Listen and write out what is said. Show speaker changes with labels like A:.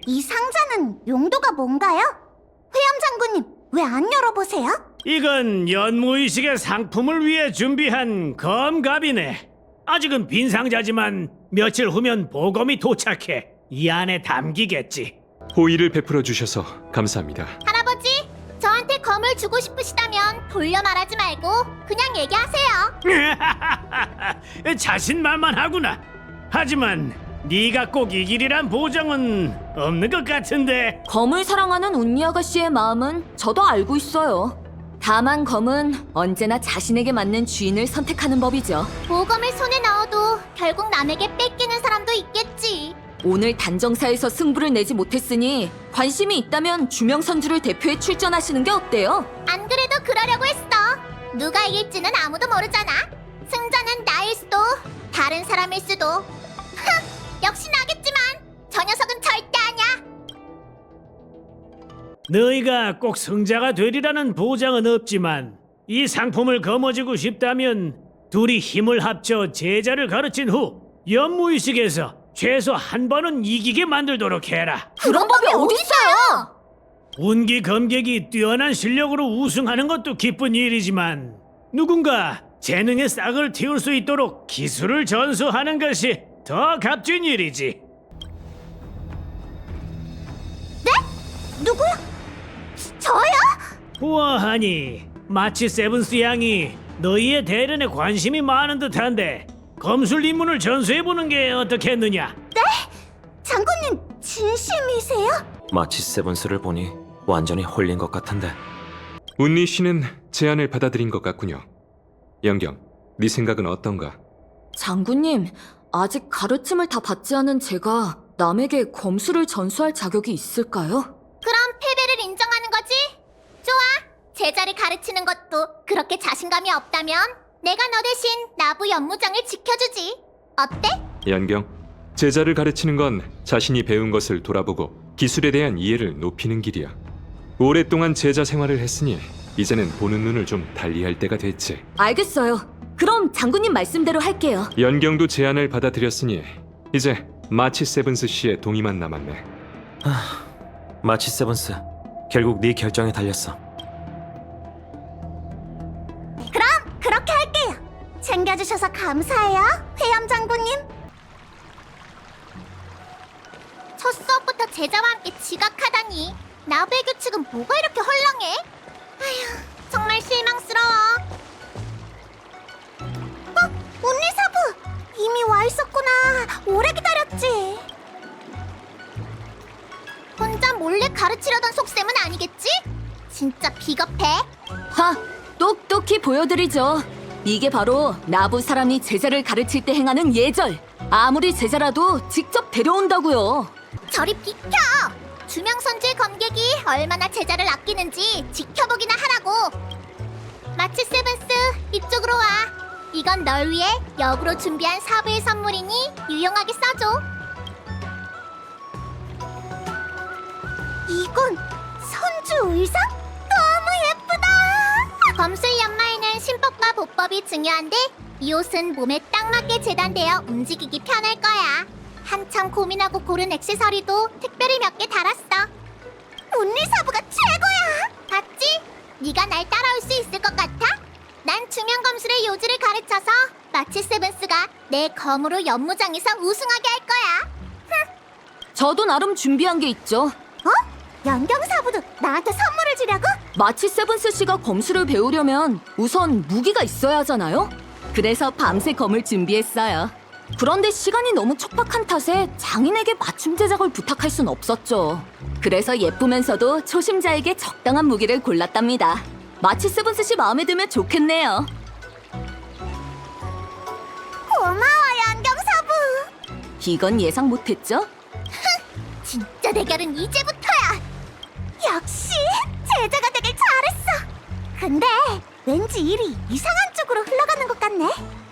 A: 이 상자는 용도가 뭔가요? 회염 장군님, 왜 안 열어보세요?
B: 이건 연무의식의 상품을 위해 준비한 검갑이네. 아직은 빈 상자지만 며칠 후면 보검이 도착해 이 안에 담기겠지.
C: 호의를 베풀어 주셔서 감사합니다.
A: 할아버지, 저한테 검을 주고 싶으시다면 돌려 말하지 말고 그냥 얘기하세요.
B: 자신만만하구나. 하지만 네가 꼭 이길이란 보장은 없는 것 같은데.
D: 검을 사랑하는 운니 아가씨의 마음은 저도 알고 있어요. 다만 검은 언제나 자신에게 맞는 주인을 선택하는 법이죠.
A: 보검을 손에 넣어도 결국 남에게 뺏기는 사람도 있겠지.
D: 오늘 단정사에서 승부를 내지 못했으니 관심이 있다면 주명선주를 대표해 출전하시는 게 어때요?
A: 안 그래도 그러려고 했어. 누가 이길지는 아무도 모르잖아. 승자는 나일 수도 다른 사람일 수도. 역시 나겠지만 저 녀석은 절대 아니야.
B: 너희가 꼭 승자가 되리라는 보장은 없지만 이 상품을 거머쥐고 싶다면 둘이 힘을 합쳐 제자를 가르친 후 연무의식에서 최소 한 번은 이기게 만들도록 해라.
D: 그런 법이 어딨어요?
B: 운기 검객이 뛰어난 실력으로 우승하는 것도 기쁜 일이지만 누군가 재능의 싹을 틔울 수 있도록 기술을 전수하는 것이 더 값진 일이지.
A: 누구야? 저요?
B: 우아하니 마치 세븐스 양이 너희의 대련에 관심이 많은 듯한데 검술 입문을 전수해보는 게 어떻겠느냐?
A: 장군님 진심이세요?
E: 마치 세븐스를 보니 완전히 홀린 것 같은데.
C: 운니 씨는 제안을 받아들인 것 같군요. 영경, 네 생각은 어떤가?
D: 장군님, 아직 가르침을 다 받지 않은 제가 남에게 검술을 전수할 자격이 있을까요?
A: 그럼 패배를 인정하는 거지? 좋아. 제자를 가르치는 것도 그렇게 자신감이 없다면 내가 너 대신 나부 연무장을 지켜주지. 어때?
C: 연경, 제자를 가르치는 건 자신이 배운 것을 돌아보고 기술에 대한 이해를 높이는 길이야. 오랫동안 제자 생활을 했으니 이제는 보는 눈을 좀 달리할 때가 됐지.
D: 알겠어요. 그럼 장군님 말씀대로 할게요.
C: 연경도 제안을 받아들였으니 이제 마치 세븐스 씨의 동의만 남았네.
E: 마치 세븐스, 결국 네 결정에 달렸어.
A: 그럼 그렇게 할게요. 챙겨주셔서 감사해요, 회염 장군님. 첫 수업부터 제자와 함께 지각하다니. 나부의 규칙은 뭐가 이렇게 헐렁해? 아휴, 정말 실망스러워. 운리사부! 이미 와 있었구나. 오래 기다렸지. 혼자 몰래 가르치려던 속셈은 아니겠지? 진짜 비겁해.
D: 하! 똑똑히 보여드리죠. 이게 바로 나부 사람이 제자를 가르칠 때 행하는 예절. 아무리 제자라도 직접 데려온다고요.
A: 저리 비켜! 주명선주의 검객이 얼마나 제자를 아끼는지 지켜보기나 하라고. 마치 세븐스, 이쪽으로 와. 이건 널 위해 역으로 준비한 사부의 선물이니 유용하게 써줘. 이건 선주 의상? 너무 예쁘다! 검술 연마에는 신법과 보법이 중요한데 이 옷은 몸에 딱 맞게 재단되어 움직이기 편할 거야. 한참 고민하고 고른 액세서리도 특별히 몇 개 달았어. 운리사부가 최고야! 봤지? 네가 날 따라올 수 있을 것 같아? 난 주명검술의 요지를 가르쳐서 마치 세븐스가 내 검으로 연무장에서 우승하게 할 거야.
D: 저도 나름 준비한 게 있죠.
A: 어? 연경사부도 나한테 선물을 주려고?
D: 마치 세븐스 씨가 검술을 배우려면 우선 무기가 있어야 하잖아요. 그래서 밤새 검을 준비했어요. 그런데 시간이 너무 촉박한 탓에 장인에게 맞춤 제작을 부탁할 순 없었죠. 그래서 예쁘면서도 초심자에게 적당한 무기를 골랐답니다. 마치 세븐스 씨 마음에 들면 좋겠네요.
A: 고마워, 연경사부.
D: 이건 예상 못했죠?
A: 진짜 대결은 이제부터야. 역시 제자가 되길 잘했어. 근데 왠지 일이 이상한 쪽으로 흘러가는 것 같네.